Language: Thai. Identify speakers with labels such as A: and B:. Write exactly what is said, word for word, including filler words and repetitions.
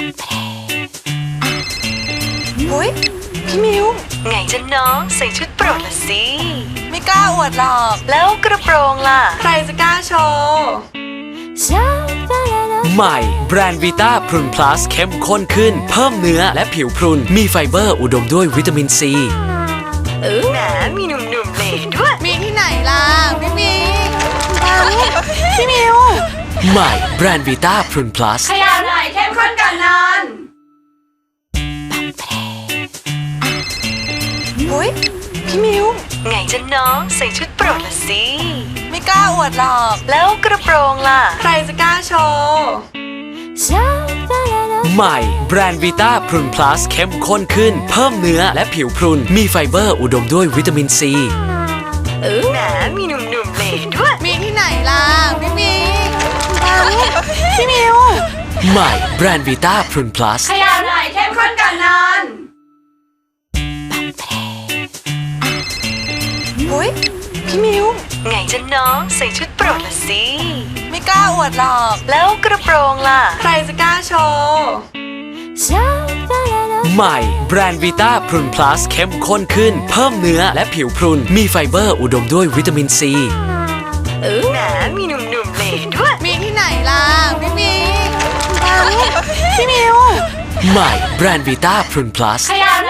A: เฮ้ยพี่มิว
B: ไงจ๊ะน้องใส่ชุดโปรดละสิ
A: ไม่กล้าอวดหรอก
B: แล้วกระโปรงล่ะ
A: ใครจะกล้าโชว์
C: ใหม่แบรนด์วีต้าพรุนพลัสเข้มข้นขึ้นเพิ่มเนื้อและผิวพรุนมีไฟเบอร์อุดมด้วยวิตามินซี
B: แหมมีหนุ่มๆเหล่ด้วย
A: มีที่ไหนล่ะไม่มีพี่มิว
C: ใหม่แบรนด์วีต้าพรุนพลัส
A: ขยับหน่อยเข้มข้นก่อนนอนเฮ้ยพี่มิว
B: ไงจ๊ะน้องใส่ชุดโปรดละสิ
A: ไม่กล้าอวดหรอก
B: แล้วกระโปรงล่ะ
A: ใครจะกล้าโชว์
C: ใหม่แบรนด์วีต้าพรุนพลัสเข้มข้นขึ้นเพิ่มเนื้อและผิวพรุนมีไฟเบอร์อุดมด้วยวิตามินซี
B: แหมมีหนุ่มๆเหล่ด้วย
A: มีที่ไหนล่ะไม่มีพี่มิว
C: ใหม่แบรนด์วีต้าพรุนพลัส
A: ขยับหน่อยเข้มข้นก่อนนอนเฮ้ยพี่มิว
B: ไงจ๊ะน้องใส่ชุดโปรดละสิ
A: ไม่กล้าอวดหรอก
B: แล้วกระโปรงล่ะ
A: ใครจะกล้าโชว์
C: ใหม่แบรนด์วีต้าพรุนพลัสเข้มข้นขึ้นเพิ่มเนื้อและผิวพรุนมีไฟเบอร์อุดมด้วยวิตามินซี
B: แหมมีหนุ่มๆเหล่ด้วย
A: มีที่ไหนล่ะไม่มีพี่มิว
C: ใหม่แบรนด์วีต้าพรุนพลัส
A: ขยับห